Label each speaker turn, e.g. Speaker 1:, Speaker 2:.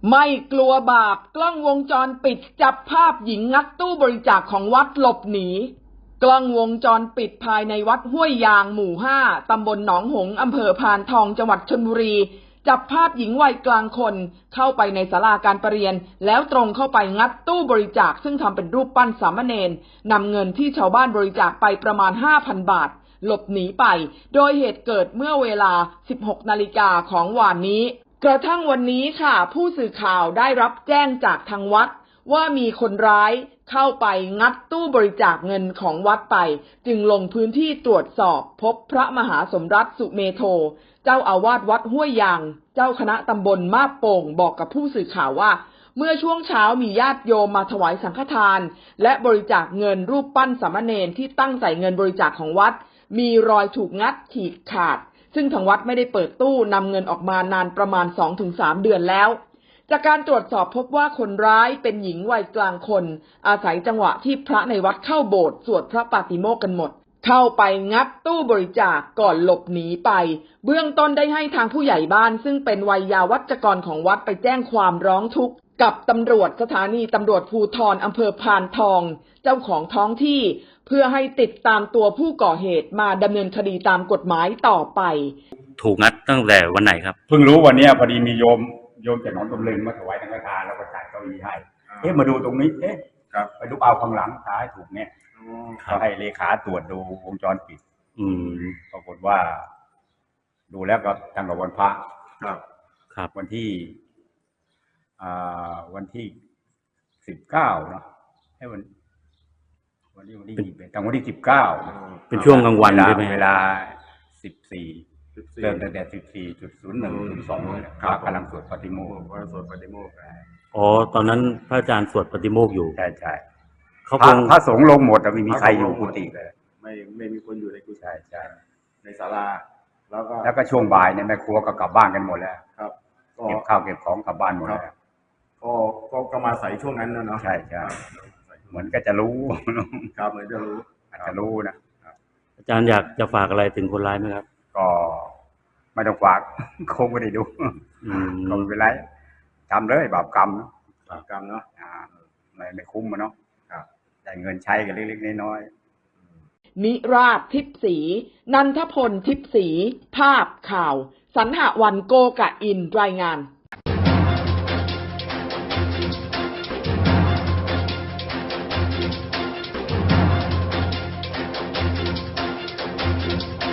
Speaker 1: ไม่กลัวบาปกล้องวงจรปิดจับภาพหญิงงัดตู้บริจาคของวัดหลบหนีกล้องวงจรปิดภายในวัดห้วยยางหมู่ 5 ตำบลหนองหงส์อำเภอพานทองจังหวัดชลบุรีจับภาพหญิงวัยกลางคนเข้าไปในศาลาการประเรียนแล้วตรงเข้าไปงัดตู้บริจาคซึ่งทำเป็นรูปปั้นสามเณรนำเงินที่ชาวบ้านบริจาคไปประมาณ 5,000 บาทหลบหนีไปโดยเหตุเกิดเมื่อเวลา 16 นาฬิกาของวันนี้กระทั่งวันนี้ค่ะผู้สื่อข่าวได้รับแจ้งจากทางวัดว่ามีคนร้ายเข้าไปงัดตู้บริจาคเงินของวัดไปจึงลงพื้นที่ตรวจสอบพบพระมหาสมรัตน์สุเมโธเจ้าอาวาสวัดห้วยยางเจ้าคณะตำบลมาบโป่งบอกกับผู้สื่อข่าวว่าเมื่อช่วงเช้ามีญาติโยมมาถวายสังฆทานและบริจาคเงินรูปปั้นสามเณรที่ตั้งใส่เงินบริจาคของวัดมีรอยถูกงัดฉีกขาดซึ่งทางวัดไม่ได้เปิดตู้นำเงินออกมานานประมาณ 2-3 เดือนแล้วจากการตรวจสอบพบว่าคนร้ายเป็นหญิงวัยกลางคนอาศัยจังหวะที่พระในวัดเข้าโบสถ์สวดพระปาติโมกข์กันหมดเข้าไปงัดตู้บริจาคก่อนหลบหนีไปเบื้องต้นได้ให้ทางผู้ใหญ่บ้านซึ่งเป็นวัยยาวัจกรของวัดไปแจ้งความร้องทุกข์กับตำรวจสถานีตำรวจภูธรอำเภอพานทองเจ้าของท้องที่เพื่อให้ติดตามตัวผู้ก่อเหตุมาดำเนินคดีตามกฎหมายต่อไป
Speaker 2: ถูกงัดตั้งแต่วันไหนครับ
Speaker 3: เพิ่งรู้วันนี้พอดีมีโยมจากหนองตำลึงมาถวายสังฆทานแล้วก็จัดเก้าอี้ให้มาดูตรงนี้ไปดูเอาข้างหลังท้ายถูกเนี่ยก็ให้เลขาตรวจดูวงจรปิดปรากฏว่าดูแล้วก็ตั้งแต่วันพระ
Speaker 2: ครับ
Speaker 3: วันที่19เนาะให้วันที่ตั้งวันที่19
Speaker 2: เป็นช่วงกลางวันใช่ไหม
Speaker 3: เวลา14เริ่มตั้งแต่ 14.01-02 ครับกำลังสวดปาฏิโมกข์
Speaker 2: อ๋อตอนนั้นพระอาจารย์สวดปาฏิโมกข์อยู่
Speaker 3: ใช่เขาคงพระสงฆ์ลงหมดแต่ไม่มีใครอยู่กุฏิเลย
Speaker 4: ไม่มีคนอยู่ในกุฏิ
Speaker 3: ใช่
Speaker 4: ในศาลา
Speaker 3: แล้วก็ช่วงบ่ายเนี่ยแม่ครัวก็กลับบ้านกันหมดแล้ว
Speaker 4: ครับ
Speaker 3: เก็บข้าวเก็บของกลับบ้านหมดแล้ว
Speaker 4: ก็มาใส่ช่วงนั้นเนาะ
Speaker 3: ใช่เหมือนก็จะรู้
Speaker 4: ครับเหมือนจะรู้
Speaker 3: อาจจะรู้นะ
Speaker 2: อาจารย์อยากจะฝากอะไรถึงคนร้ายไหมครับ
Speaker 3: ก็ไม่ต้องฝากคงไม่ได้ดูก็ไม่เป็นไรทำเลยบาปกรรมเนาะไม่คุ้มมันเนาะได้เงินใช้กันเล็กๆน้อย
Speaker 1: ๆนิราศทิพย์ศรีนันทพลทิพย์ศรีภาพข่าวสรรหวันโกกะอินรายงาน